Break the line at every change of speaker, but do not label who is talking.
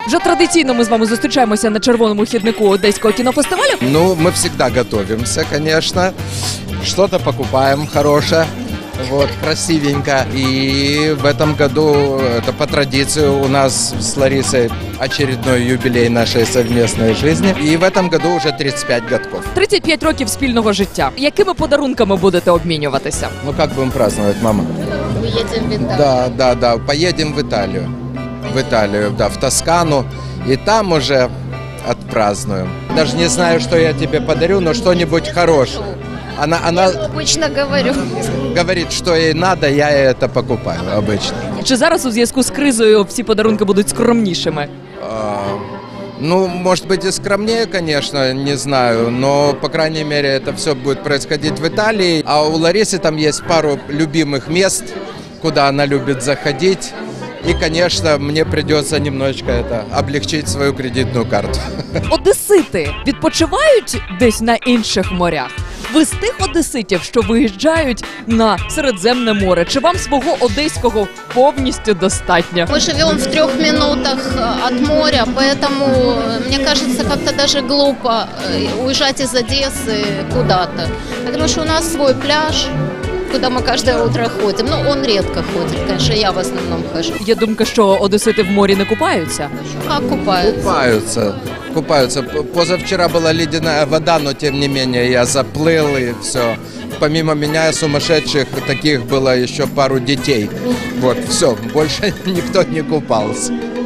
Вже традиційно ми з вами зустрічаємося на червоному хіднику Одеського кінофестивалю.
Ну, мы всегда готовимся, конечно. Что-то покупаем хорошее, вот, красивенько. И в этом году, это по традиции, у нас с Ларисой очередной юбилей нашей совместной жизни. И в этом году уже 35 годков.
35 років спільного життя. Якими подарунками будете обмінюватися?
Ну, как будем праздновать, мама?
Мы едем в Италию.
Да. Поедем в Италию. В Италию, да, в Тоскану. И там уже отпразднуем. Даже не знаю, что я тебе подарю, но что-нибудь хорошее. Она
Обычно говорю.
говорит, что ей надо, я ей это покупаю обычно.
Чи зараз у зв'язку з кризою всі подарунки будуть скромнішими?
Ну, может быть и скромнее, конечно, не знаю, но, по крайней мере, это все будет происходить в Италии. А у Ларисы там есть пару любимых мест, куда она любит заходить. И, конечно, мне придется немножечко облегчить свою кредитную карту.
Одесити відпочивають десь на інших морях? Ви з тих одеситів, що виїжджають на Середземне море? Чи вам свого одеського повністю достатньо?
Мы живем в 3 минутах от моря, поэтому, мне кажется, как-то даже глупо уезжать из Одессы куда-то. Потому что у нас свой пляж, куда мы каждое утро ходим. Ну, он редко ходит, конечно, я в основном хожу.
Є думка, що одесити в морі не купаються?
Как купаются?
Купаются. Позавчера была ледяная вода, но тем не менее я заплыл и все. Помимо меня сумасшедших таких было еще пару детей. Вот, все, больше никто не купался.